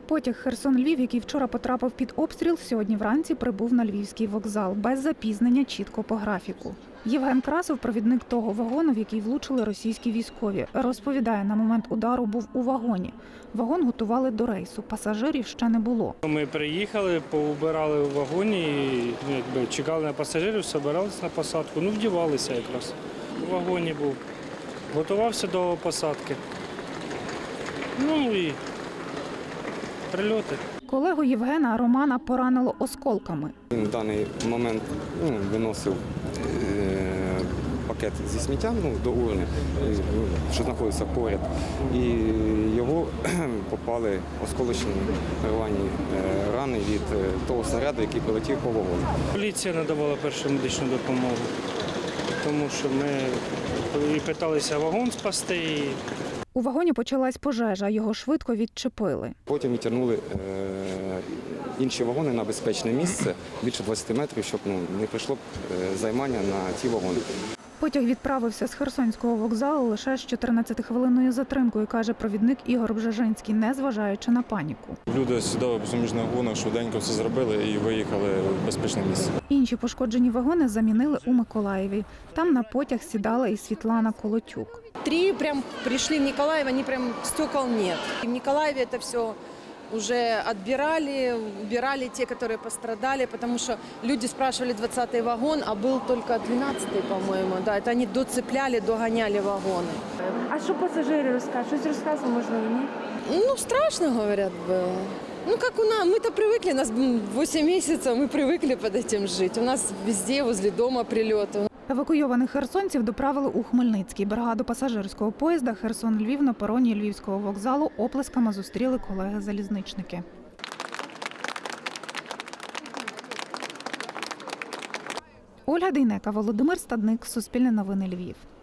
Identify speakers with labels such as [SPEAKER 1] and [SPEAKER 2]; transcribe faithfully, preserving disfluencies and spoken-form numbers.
[SPEAKER 1] Потяг Херсон-Львів, який вчора потрапив під обстріл, сьогодні вранці прибув на Львівський вокзал. Без запізнення, чітко по графіку. Євген Красов, провідник того вагону, в який влучили російські військові, розповідає, на момент удару був у вагоні. Вагон готували до рейсу, пасажирів ще не було.
[SPEAKER 2] Ми приїхали, поубирали у вагоні, і, якби, чекали на пасажирів, збиралися на посадку, ну вдівалися якраз. У вагоні був, готувався до посадки. Ну і прильоти.
[SPEAKER 1] Колегу Євгена Романа поранило осколками.
[SPEAKER 3] Він в даний момент ну, виносив е, пакет зі сміттям ну, до урни, що знаходиться поряд, і його попали осколочні рвані е, рани від е, того снаряду, який прилетів по вагону.
[SPEAKER 2] Поліція надавала першу медичну допомогу, тому що ми і питалися вагон спасти. І...
[SPEAKER 1] У вагоні почалась пожежа, його швидко відчепили.
[SPEAKER 3] Потім відтягнули е, інші вагони на безпечне місце, більше двадцяти метрів, щоб ну, не прийшло е, займання на ті вагони.
[SPEAKER 1] Потяг відправився з Херсонського вокзалу лише з чотирнадцятихвилинною затримкою, каже провідник Ігор Бжежинський, незважаючи на паніку.
[SPEAKER 4] Люди сідали по суміжних вагонах, швиденько все зробили і виїхали в безпечне місце.
[SPEAKER 1] Інші пошкоджені вагони замінили у Миколаєві. Там на потяг сідала і Світлана Колотюк.
[SPEAKER 5] Три прям пришли в Николаев, они прям стекол нет. В Николаеве это все уже отбирали, убирали те, которые пострадали, потому что люди спрашивали двадцатый вагон, а был только двенадцатый, по-моему. Да, это они доцепляли, догоняли вагоны.
[SPEAKER 6] А що пасажири розкажуть? Щось розказували, можливо, ні?
[SPEAKER 5] Ну, страшно, говорят, было. Ну, как у нас, мы-то привыкли, нас восемь месяцев, мы привыкли под этим жить. У нас везде, возле дома прилеты.
[SPEAKER 1] Евакуйованих херсонців доправили у Хмельницький. Бригаду пасажирського поїзда Херсон-Львів на пероні Львівського вокзалу оплесками зустріли колеги-залізничники. Ольга Дейнека, Володимир Стадник, Суспільне новини, Львів.